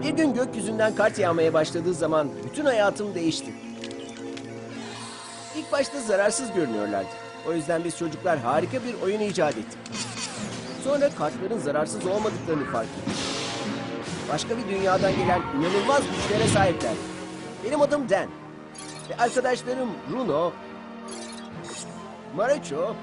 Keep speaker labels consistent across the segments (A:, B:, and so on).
A: Bir gün gökyüzünden kart yağmaya başladığı zaman bütün hayatım değişti. İlk başta zararsız görünüyorlardı. O yüzden biz çocuklar harika bir oyun icat ettik. Sonra kartların zararsız olmadıklarını fark ettik. Başka bir dünyadan gelen inanılmaz güçlere sahipler. Benim adım Dan. Ve arkadaşlarım Bruno, Marucho,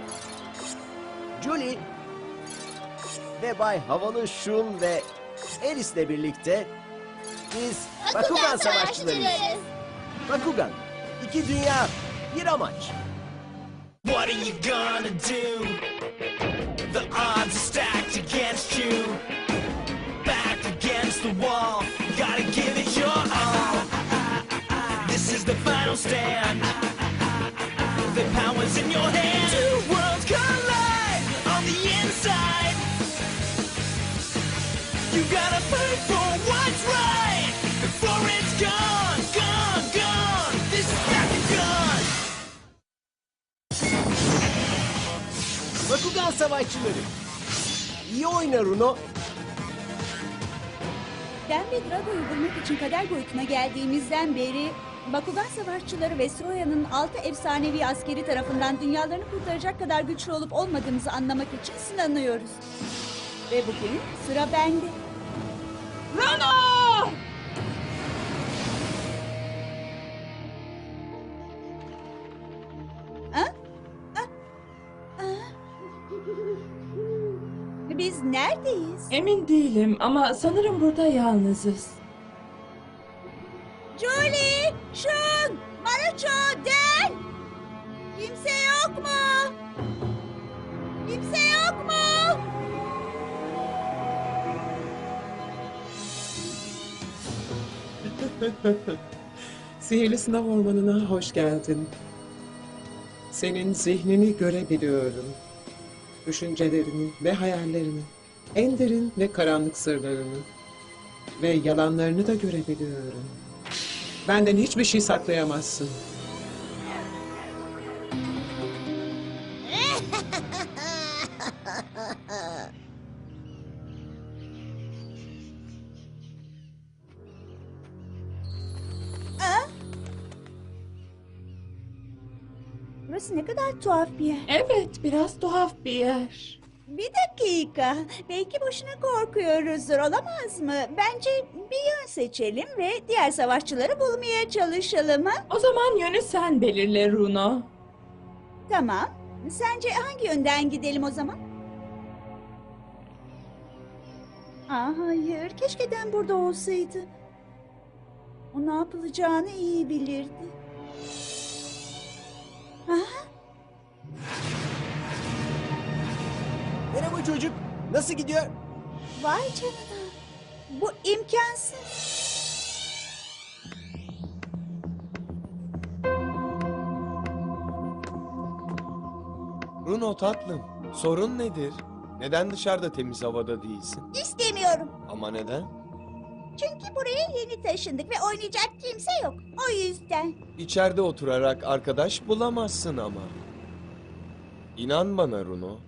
A: Julie ve Bay Havalı Şun ve Alice'le birlikte biz Bakugan Savaşçılarıyız. Bakugan, iki dünya, bir amaç.
B: What are you gonna do? The odds are stacked against you. Back against the wall, gotta give it your all. This is the final stand. The power's in your hand. Two worlds collide on the inside. You gotta fight for what's right before it's gone, gone, gone. This is Bakugan.
A: Bakugan Savaşçıları. İyi oyna Runo.
C: Dan ve Drago'yu bulmak için kader boyutuna geldiğimizden beri Bakugan Savaşçıları ve Stroya'nın 6 efsanevi askeri tarafından dünyalarını kurtaracak kadar güçlü olup olmadığımızı anlamak için sınanıyoruz. Ve bugün sıra bende. Rano! Ha? Biz neredeyiz?
D: Emin değilim ama sanırım burada yalnızız.
C: Julie, Shun, Marucho, Dan! Kimse yok mu? Kimse yok mu?
E: Sihirli sınav ormanına hoş geldin. Senin zihnini görebiliyorum. Düşüncelerini ve hayallerini, en derin ve karanlık sırlarını ve yalanlarını da görebiliyorum. Benden hiçbir şey saklayamazsın.
C: Burası ne kadar tuhaf bir yer.
D: Evet, biraz tuhaf bir yer.
C: Bir dakika. Belki boşuna korkuyoruzdur, olamaz mı? Bence bir yön seçelim ve diğer savaşçıları bulmaya çalışalım, ha?
D: O zaman yönü sen belirle Runo.
C: Tamam. Sence hangi yönden gidelim o zaman? Hayır. Keşke Dan burada olsaydı. O ne yapılacağını iyi bilirdi.
A: Merhaba çocuk. Nasıl gidiyor?
C: Vay canına. Bu imkansız.
F: Bruno tatlım, sorun nedir? Neden dışarıda temiz havada değilsin?
C: İstemiyorum.
F: Ama neden?
C: Çünkü buraya yeni taşındık ve oynayacak kimse yok. O yüzden.
F: İçeride oturarak arkadaş bulamazsın ama. İnan bana Bruno.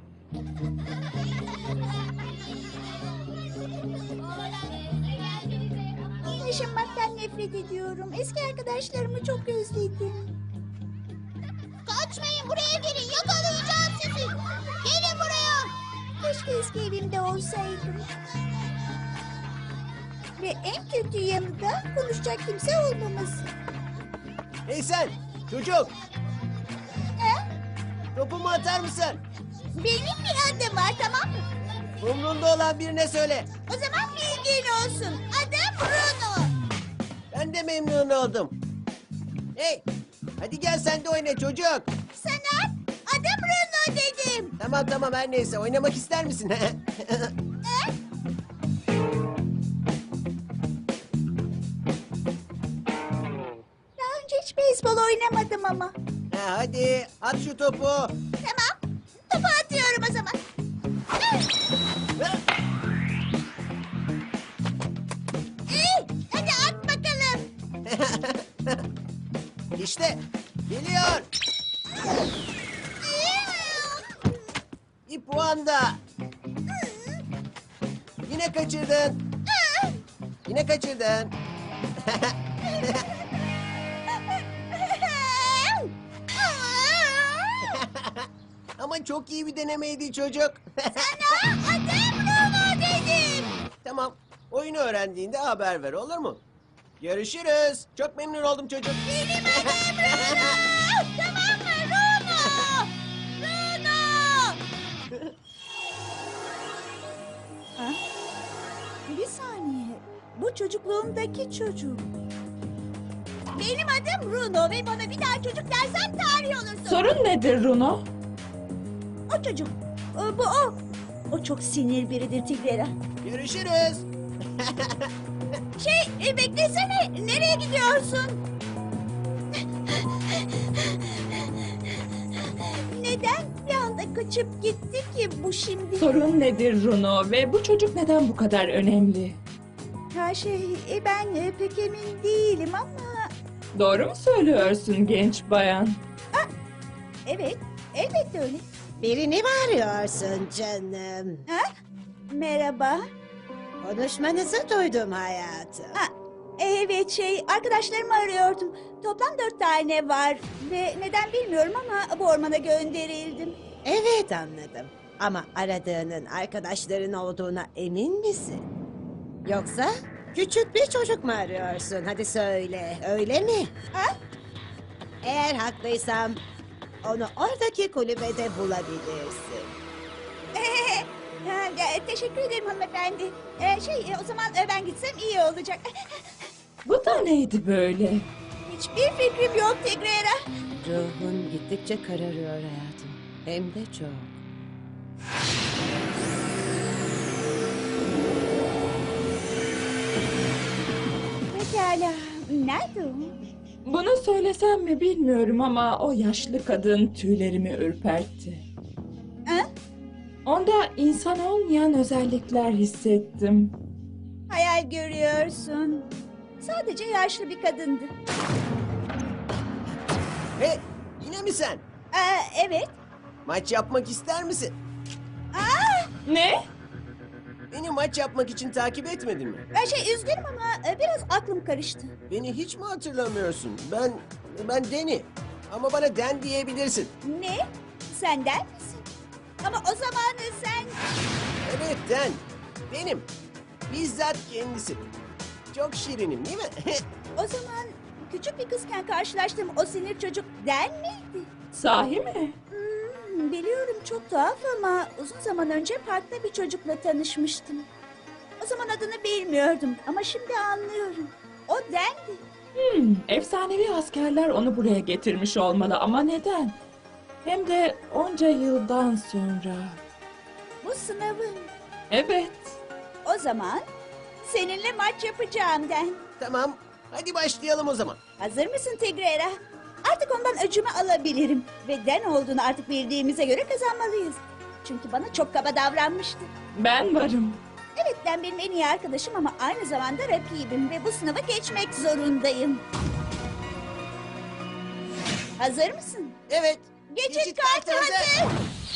C: Taşınmaktan nefret ediyorum. Eski arkadaşlarımı çok özledim. Kaçmayın, buraya gelin, yakalayacağım sizi. Gelin buraya. Keşke eski evimde olsaydım. Ve en kötü yanı da konuşacak kimse olmaması.
A: Hey sen çocuk.
C: He?
A: Topumu atar mısın?
C: Benim bir adım var, tamam mı?
A: Umrunda olan birine söyle.
C: O zaman bilgin olsun. Adım Bruno.
A: Ben de memnun oldum. Hey, hadi gel sen de oyna çocuk.
C: Sana adım Bruno dedim.
A: Tamam tamam her neyse oynamak ister misin?
C: Daha önce hiç beyzbol oynamadım ama.
A: Ha, hadi at şu topu.
C: Tamam. Topu atıyorum o zaman. İyi. Hadi at bakalım.
A: İşte geliyor. Bir puan da. Yine kaçırdın. Yine kaçırdın. Ama çok iyi bir denemeydi çocuk.
C: Sana adım Bruno dedim.
A: Tamam. Oyunu öğrendiğinde haber ver, olur mu? Görüşürüz. Çok memnun oldum çocuk.
C: Benim adım Bruno. Tamam mı Bruno? Bruno. Ha? Bir saniye. Bu çocukluğumdaki çocuk. Benim adım Bruno ve bana bir daha çocuk dersen tarih olursun.
D: Sorun nedir Runo?
C: O çocuk. Bu o. O çok sinir biridir Tigrera.
A: Görüşürüz.
C: Beklesene. Nereye gidiyorsun? Neden bir anda kaçıp gitti ki bu şimdi?
D: Sorun nedir Runo ve bu çocuk neden bu kadar önemli?
C: Ha ben pek emin değilim ama...
D: Doğru mu söylüyorsun genç bayan?
C: Evet, elbette öyle.
G: Birini mi arıyorsun canım?
C: Ha? Merhaba.
G: Konuşmanızı duydum hayatım.
C: Ha, evet arkadaşlarımı arıyordum. Toplam 4 tane var ve neden bilmiyorum ama bu ormana gönderildim.
G: Evet anladım. Ama aradığının arkadaşların olduğuna emin misin? Yoksa küçük bir çocuk mu arıyorsun? Hadi söyle, öyle mi?
C: Ha?
G: Eğer haklıysam onu oradaki kulübede bulabilirsin.
C: Teşekkür ederim hanımefendi. O zaman ben gitsem iyi olacak.
D: Bu da neydi böyle?
C: Hiçbir fikrim yok Tigrera.
G: Ruhun gittikçe kararıyor hayatım. Hem de çok.
C: Pekala. Nerede o?
D: Bunu söylesem mi bilmiyorum ama o yaşlı kadın tüylerimi ürpertti.
C: Ha?
D: Onda insan olmayan özellikler hissettim.
C: Hayal görüyorsun. Sadece yaşlı bir kadındı.
A: Hey, yine mi sen?
C: Evet.
A: Maç yapmak ister misin?
D: Ne?
A: Beni maç yapmak için takip etmedin mi?
C: Üzgünüm ama biraz aklım karıştı.
A: Beni hiç mi hatırlamıyorsun? Ben Danny. Ama bana Dan diyebilirsin.
C: Ne? Senden misin? Ama o zaman sen...
A: Evet Dan. Benim. Bizzat kendisi. Çok şirinim değil mi?
C: O zaman küçük bir kızken karşılaştığım o sinir çocuk Den miydi?
D: Sahi mi?
C: Biliyorum çok tuhaf ama uzun zaman önce parkta bir çocukla tanışmıştım. O zaman adını bilmiyordum ama şimdi anlıyorum. O Den'di.
D: Efsanevi askerler onu buraya getirmiş olmalı ama neden? Hem de onca yıldan sonra.
C: Bu sınavın.
D: Evet.
C: O zaman seninle maç yapacağım Den.
A: Tamam. Hadi başlayalım o zaman.
C: Hazır mısın Tigrera? Artık ondan öcümü alabilirim. Ve Den olduğunu artık bildiğimize göre kazanmalıyız. Çünkü bana çok kaba davranmıştı.
D: Ben varım.
C: Evet Den benim en iyi arkadaşım ama aynı zamanda rakibim. Ve bu sınava geçmek zorundayım. Hazır mısın?
A: Evet.
C: Geçit kartı hazır.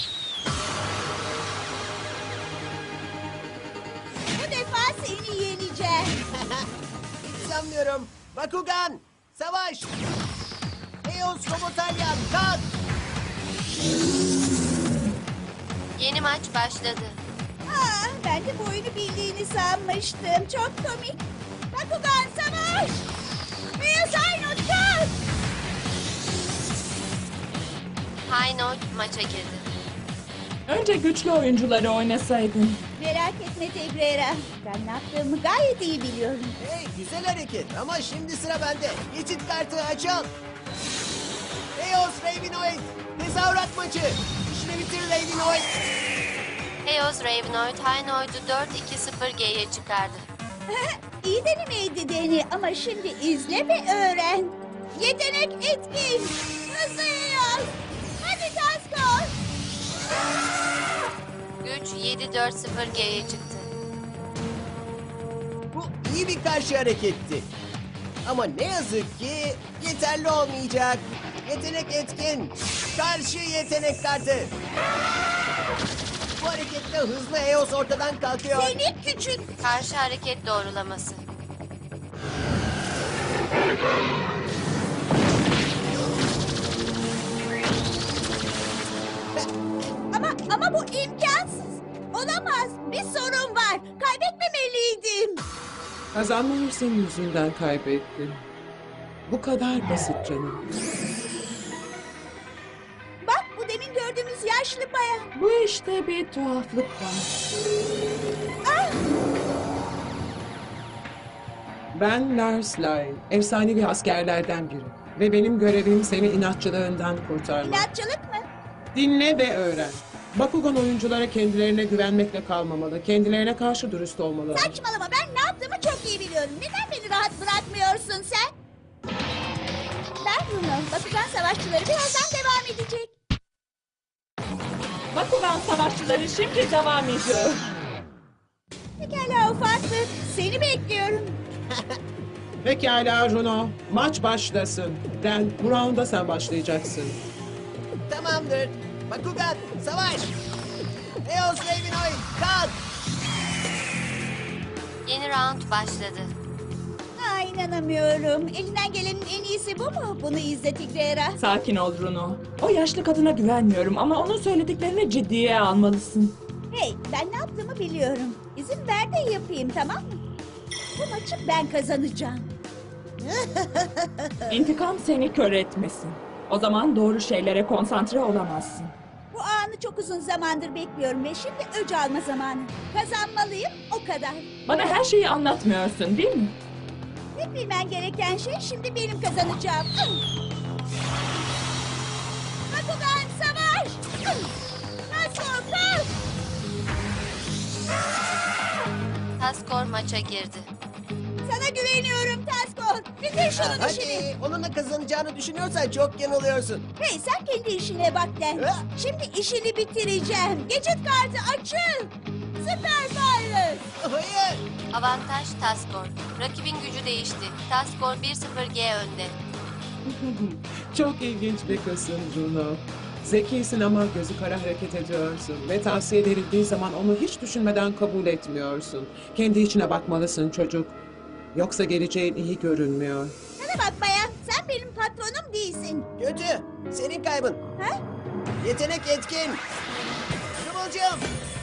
C: Bu defa seni yeneceğim.
A: Hiç sanmıyorum. Bakugan. Savaş. Eos Robotalyan. Kalk.
H: Yeni maç başladı.
C: Ben de bu oyunu bildiğini sanmıştım. Çok komik. Bakugan savaş. Beyaz Aynut kalk.
H: High Note maça girdi.
D: Önce güçlü oyuncuları oynasaydın.
C: Merak etme Tigrera. Ben ne yaptığımı gayet iyi biliyorum.
A: Hey, güzel hareket ama şimdi sıra bende. Geçit kartı açıl. Eos Ravenoid. Tezahürat maçı. İşini bitir Ravenoid.
H: Eos Ravenoid High Note'u 4-2-0G'ye çıkardı.
C: İyi denemeydi Deni ama şimdi izle ve öğren. Yetenek etkin. Hızlıyız. Hadi Taskor.
H: Güç 7-4-0G'ye çıktı.
A: Bu iyi bir karşı hareketti. Ama ne yazık ki yeterli olmayacak. Yetenek etkin. Karşı yetenek kartı. Bu hareketle hızlı Eos ortadan kalkıyor.
C: Seni küçük.
H: Karşı hareket doğrulaması.
C: Ama bu imkansız. Olamaz. Bir sorun var. Kaybetmemeliydim.
E: Kazanmayı senin yüzünden kaybettim. Bu kadar basit canım.
C: Bak bu demin gördüğümüz yaşlı bayan.
D: Bu işte bir tuhaflık var.
E: Ben Lars Lyle, efsanevi askerlerden biri. Ve benim görevim seni inatçılığından kurtarmak.
C: İnatçılık mı?
E: Dinle ve öğren. Bakugan oyunculara kendilerine güvenmekle kalmamalı. Kendilerine karşı dürüst olmalı.
C: Saçmalama, ben ne yaptığımı çok iyi biliyorum. Neden beni rahat bırakmıyorsun sen? Ben Bruno. Bakugan savaşçıları birazdan devam edecek.
D: Bakugan savaşçıları şimdi devam ediyor.
C: Pekala ufaklık. Seni bekliyorum.
E: Pekala Runo, maç başlasın. Dan, bu rounda sen başlayacaksın.
A: Tamamdır. Bakugan, savaş! Eos Ravenoid, kalk!
H: Yeni round başladı.
C: Aa, inanamıyorum. Elinden gelenin en iyisi bu mu? Bunu izle Tigrera.
D: Sakin ol Bruno. O yaşlı kadına güvenmiyorum ama onun söylediklerini ciddiye almalısın.
C: Hey, ben ne yaptığımı biliyorum. İzin ver de yapayım, tamam mı? Bu maçı ben kazanacağım.
D: İntikam seni kör etmesin. O zaman doğru şeylere konsantre olamazsın.
C: Bu anı çok uzun zamandır bekliyorum ve şimdi öc alma zamanı. Kazanmalıyım, o kadar.
D: Bana her şeyi anlatmıyorsun değil mi?
C: Tek bilmen gereken şey şimdi benim kazanacağım. Bakugan savaş! Nasıl kalk!
H: Taskor maça girdi.
C: Sana güveniyorum Taskor. Bitir şunun işini.
A: Hadi, onunla kazanacağını düşünüyorsan çok yanılıyorsun.
C: Hey sen kendi işine bak Den.
A: Ha?
C: Şimdi işini bitireceğim. Geçit kartı açıl. Süper Pilot.
A: Hayır!
H: Avantaj Taskor. Rakibin gücü değişti. Taskor 1-0G önde.
E: Çok ilginç bir kızsın Runo. Zekisin ama gözü kara hareket ediyorsun. Ve tavsiye verildiği zaman onu hiç düşünmeden kabul etmiyorsun. Kendi içine bakmalısın çocuk. Yoksa geleceğin iyi görünmüyor.
C: Sana bak bayan. Sen benim patronum değilsin.
A: Kötü, senin kaybın.
C: Ha?
A: Yetenek etkin. Kıvılcım.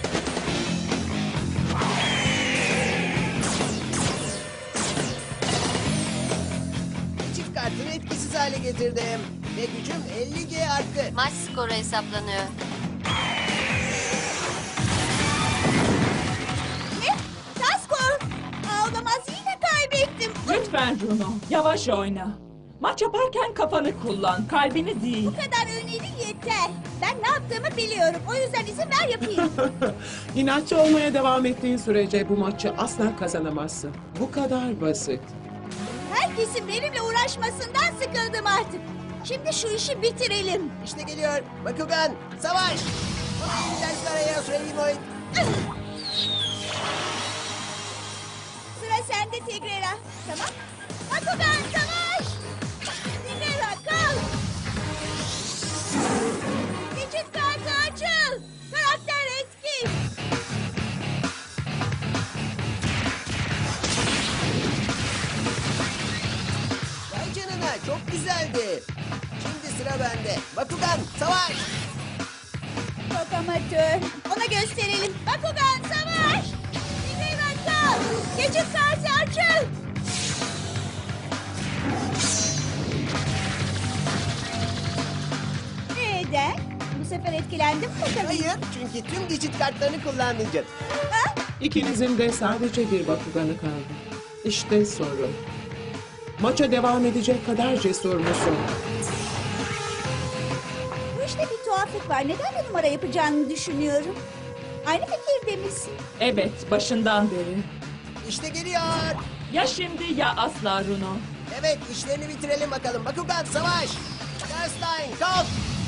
A: Çift kartını etkisiz hale getirdim. Ve gücüm 50G arttı.
H: Maç skoru hesaplanıyor.
C: Ne? Taskor. Aa, olamaz yine kaybettim.
D: Lütfen Bruno, yavaş oyna. Maç yaparken kafanı kullan, kalbini değil.
C: Bu kadar önerin yeter. Ben ne yaptığımı biliyorum. O yüzden izin ver yapayım.
E: İnatçı olmaya devam ettiğin sürece bu maçı asla kazanamazsın. Bu kadar basit.
C: Herkesin benimle uğraşmasından sıkıldım artık. Şimdi şu işi bitirelim.
A: İşte geliyor. Bakugan, savaş! İyi dersler Eos Ravenoid.
C: Sıra sende Tigrera. Tamam. Bakugan savaş! Tigrera kal! Geçit kartı açıl! Karakter etkin!
A: Vay canına, çok güzeldi. Şimdi sıra bende. Bakugan, savaş!
C: Çok amatör. Ona gösterelim. Bakugan savaş! Tigrera kal! Geçit kartı açıl! Neden? Bu sefer etkilendim mi bakalım?
A: Hayır, çünkü tüm geçit kartlarını kullanmayacağım.
C: Ha?
E: İkinizin de sadece bir Bakuganı kaldı. İşte sorun. Maça devam edecek kadar cesur musun?
C: Bu işte bir tuhaflık var. Neden bir numara yapacağını düşünüyorum. Aynı fikirde misin?
D: Evet, başından beri.
A: İşte geliyor.
D: Ya şimdi ya asla Bruno.
A: Evet, işlerini bitirelim bakalım. Bakugan, savaş! Starstein, kalk!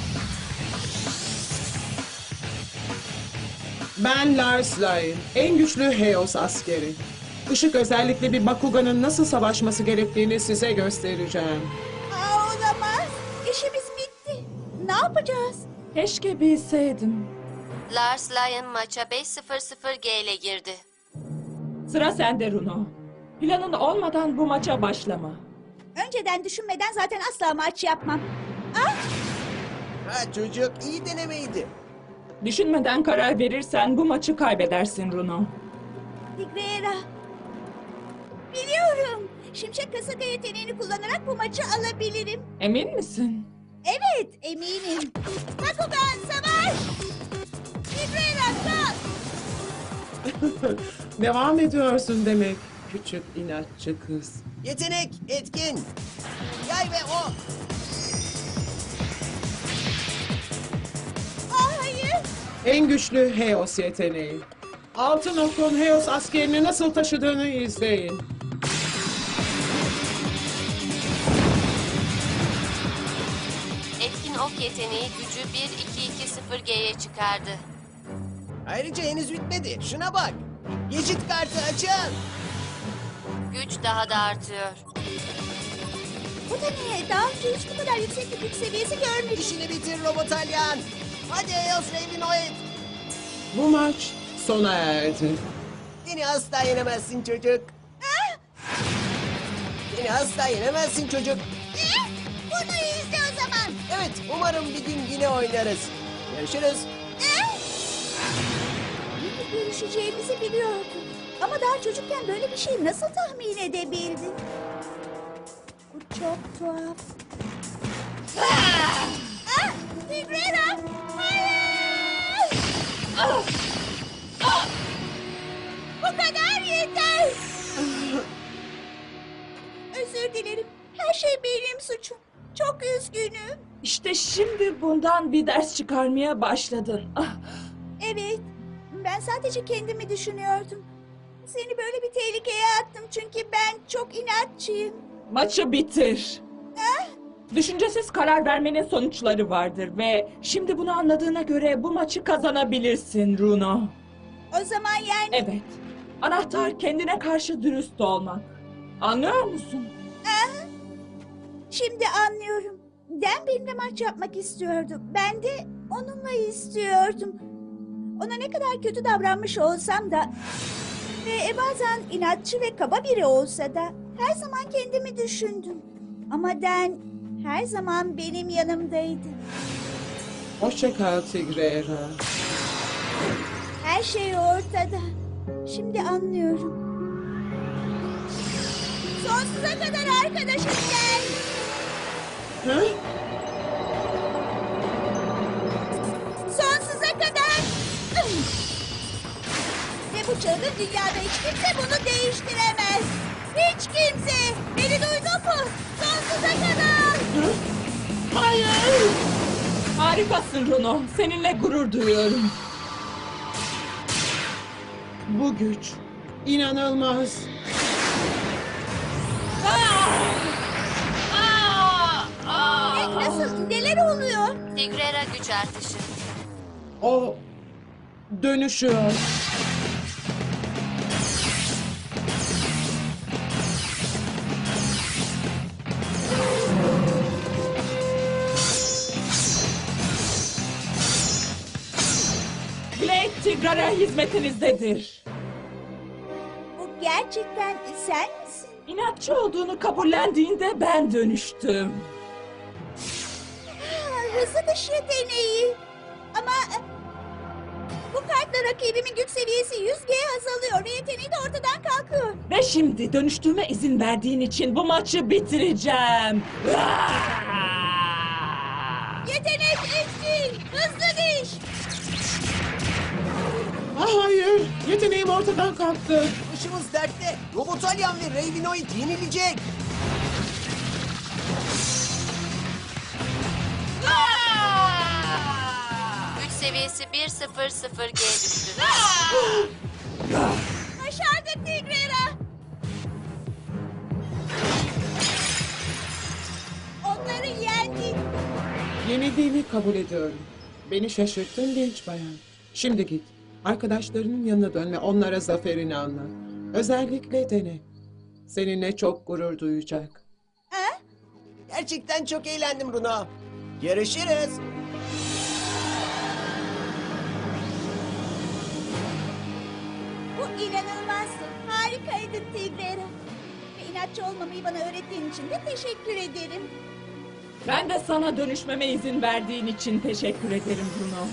E: Ben Lars Lyle, en güçlü Heos askeri. Işık özellikle bir Bakugan'ın nasıl savaşması gerektiğini size göstereceğim.
C: Aa, olamaz. İşimiz bitti. Ne yapacağız?
D: Keşke bilseydim.
H: Lars Lyon maça 5-0-0G ile girdi.
D: Sıra sende Bruno. Planın olmadan bu maça başlama.
C: Önceden düşünmeden zaten asla maç yapmam. Ah!
A: Ha çocuk, iyi denemeydi.
D: Düşünmeden karar verirsen bu maçı kaybedersin Runo.
C: Tigrera. Biliyorum. Şimşek kasırga yeteneğini kullanarak bu maçı alabilirim.
D: Emin misin?
C: Evet, eminim. Bakugan savaş! Tigrera kalk!
E: Devam ediyorsun demek küçük inatçı kız.
A: Yetenek, etkin. Yay ve ok.
C: Hayır.
E: En güçlü Heos yeteneği. Altın okun Heos askerini nasıl taşıdığını izleyin.
H: Etkin ok yeteneği gücü 1-2-2-0G'ye çıkardı.
A: Ayrıca henüz bitmedi. Şuna bak. Geçit kartı açın.
H: Güç daha da artıyor.
C: Bu da ne? Daha önce hiç bu kadar yüksek bir güç seviyesi görmedim.
A: İşini bitir Robotalyan. Hadi Eos Ravenoid.
E: Bu maç sona erdi.
A: Beni asla yenemezsin çocuk. Beni asla yenemezsin çocuk.
C: Bunu izle o zaman.
A: Evet, umarım bir gün yine oynarız. Görüşürüz.
C: Görüşeceğimizi biliyordum. Ama daha çocukken böyle bir şey nasıl tahmin edebildin? Bu çok tuhaf. Tigrera! Hayır! Bu kadar yeter! Özür dilerim. Her şey benim suçum. Çok üzgünüm.
D: İşte şimdi bundan bir ders çıkarmaya başladın. Ah,
C: Evet, ben sadece kendimi düşünüyordum. Seni böyle bir tehlikeye attım çünkü ben çok inatçıyım.
D: maçı bitir. Düşüncesiz karar vermenin sonuçları vardır ve şimdi bunu anladığına göre bu maçı kazanabilirsin Runo.
C: O zaman yani...
D: Evet. Anahtar kendine karşı dürüst olmak. Anlıyor musun?
C: Şimdi anlıyorum. Dan benimle maç yapmak istiyordu. Ben de onunla istiyordum. Ona ne kadar kötü davranmış olsam da... Ve bazen inatçı ve kaba biri olsa da... Her zaman kendimi düşündüm. Ama Dan her zaman benim yanımdaydı.
E: Hoşça kal Tigrera.
C: Her şey ortada. Şimdi anlıyorum. Sonsuza kadar arkadaşım Dan.
E: Hı?
C: Sonsuza kadar. Ve bu çılgın dünyada hiç kimse bunu değiştiremez. Hiç kimse. Beni duydun mu? Sonsuza kadar.
E: Hayır!
D: Harikasın Runo. Seninle gurur duyuyorum.
E: Bu güç inanılmaz.
C: Nasıl? Neler oluyor?
H: Tigrera güç artışı.
E: O dönüşüyor.
D: Blade Tigrera hizmetinizdedir.
C: Bu gerçekten sen misin?
D: İnatçı olduğunu kabullendiğinde ben dönüştüm.
C: Hızlı dış yeteneği. Ama bu kartla rakibimin güç seviyesi 100G azalıyor ve yeteneği de ortadan kalkıyor.
D: Ve şimdi dönüştüğüme izin verdiğin için bu maçı bitireceğim.
C: Yetenek etkin, hızlı diş.
E: Hayır! Yeteneğim ortadan kalktı.
A: Başımız dertte. Robotalyan ve Ravenoid yenilecek.
H: Güç seviyesi 1-0-0G düştü.
C: Başardık Tigrera. Onları yendik.
E: Yenildiğimi kabul ediyorum. Beni şaşırttın genç bayan. Şimdi git. Arkadaşlarının yanına dön ve onlara zaferini anlat. Özellikle dene. Seninle çok gurur duyacak.
C: Ha?
A: Gerçekten çok eğlendim Runo. Görüşürüz.
C: Bu inanılmazdı. Harikaydın Tigrera. inatçı olmamayı bana öğrettiğin için de teşekkür ederim.
D: Ben de sana dönüşmeme izin verdiğin için teşekkür ederim Bruno.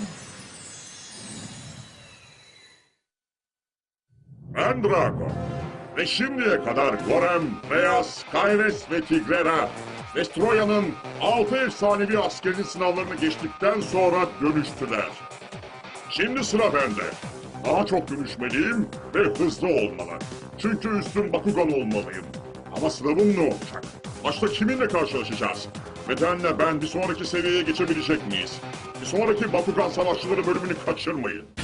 I: Ben Drago. Ve şimdiye kadar Gorem, Beyaz, Kayres ve Tigrera, Vestroya'nın 6 efsanevi askerinin sınavlarını geçtikten sonra dönüştüler. Şimdi sıra bende. Daha çok dönüşmeliyim ve hızlı olmalı. Çünkü üstün Bakugan olmalıyım. Ama sınavım ne olacak? Başta kiminle karşılaşacağız? Bedenle ben bir sonraki seviyeye geçebilecek miyiz? Bir sonraki Bakugan Savaşçıları bölümünü kaçırmayın.